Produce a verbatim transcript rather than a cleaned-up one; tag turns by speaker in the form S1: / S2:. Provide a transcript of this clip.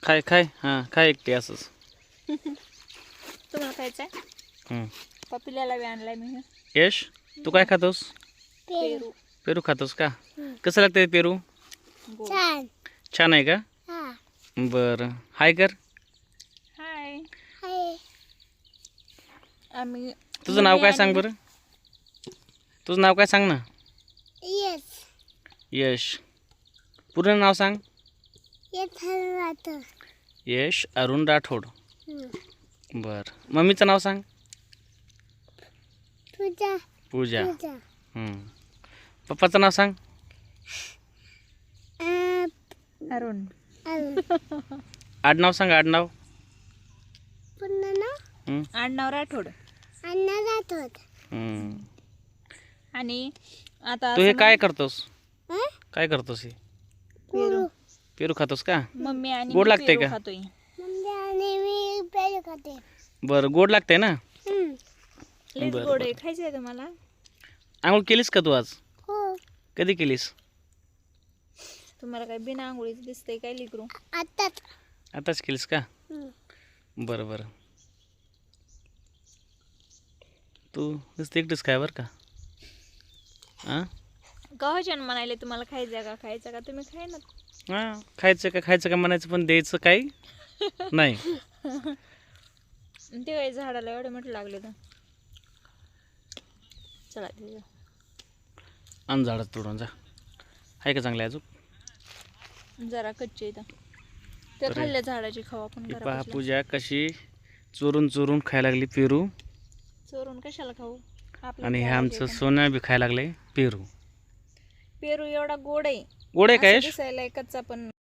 S1: खाय खाय हां खाय एकटी असंच.
S2: तुम्हाला खायचं आहे?
S1: हं.
S2: पपिल्याला बी आणलाय मी हे.
S1: यश तू काय खातोस?
S2: पेरू.
S1: पेरू खातोस का? कसं लागतं ते पेरू?
S2: गोड.
S3: छान.
S1: छान आहे का?
S3: हा.
S1: बरं हाय कर.
S2: हाय.
S3: हाय.
S2: आम्ही
S1: तुझं नाव काय सांग बरं? तुझं नाव काय सांग ना?
S3: येस.
S1: यश. पूर्ण नाव सांग.
S3: येत राहतं.
S1: यश अरुण राठोड. बरं मम्मीचं नाव सांग.
S3: तुझा.
S1: पूजा.
S3: तुझा.
S1: हं. पप्पाचं नाव सांग.
S2: अरुण.
S1: आडनाव सांग आडनाव.
S3: पुन्हा ना
S1: हं.
S2: आडनाव राठोड.
S3: अन्ना राहतो.
S1: हं.
S2: आणि आता
S1: तू हे
S2: असं
S1: काय करतोस?
S3: हं?
S1: काय करतोस हे?
S2: पेरू.
S1: पेरू खातोस का?
S2: मम्मी आणि
S1: गोड
S2: मी
S1: लागते
S2: पेरू
S1: का?
S2: खातोय.
S3: मम्मी आणि मी पेरू खाते.
S1: बरं गोड लागते ना?
S3: हं.
S2: लईच
S1: बरं,
S2: गोड आहे.
S1: बरं.
S2: खायचं आहे तुम्हाला?
S3: हो.
S1: केलीस का तू आज?
S3: हो.
S1: कधी केलीस?
S2: तुम्हाला काय बिना आंघोळीच दिसतंय काय लिकरू?
S3: आताच.
S1: आताच केलीस का?
S3: हं.
S1: बरं बरं. तू नुसतं एकटीच काय बरं का? हां
S2: कवाच्यान म्हणाले तुम्हाला खायचं का खायचं का तुम्ही खाय ना.
S1: हां खायचं का खायचं का म्हणायचं पण द्यायचं काही नाही.
S2: ते काय झाडाला एवढे मोठे लागले तर चला ते
S1: आण झाडात तोडून जा. आहे का चांगले अजून?
S2: जरा कच्चे इथं त्या
S1: अरे.
S2: खाल्ल्या झाडाची खाऊ आपण
S1: ही पहा
S2: घरापासल्या.
S1: पूजा कशी चोरून चोरून खायला लागली पेरू.
S2: चोरून कशाला खाऊ? आपल्या
S1: आणि हे
S2: झाडाचे
S1: आमचं
S2: पण.
S1: सोन्या बी खायला लागले पेरू.
S2: पेरू एवढा गोड आहे.
S1: गोड आहे का
S2: असं
S1: यश?
S2: दिसायला कच्चा पण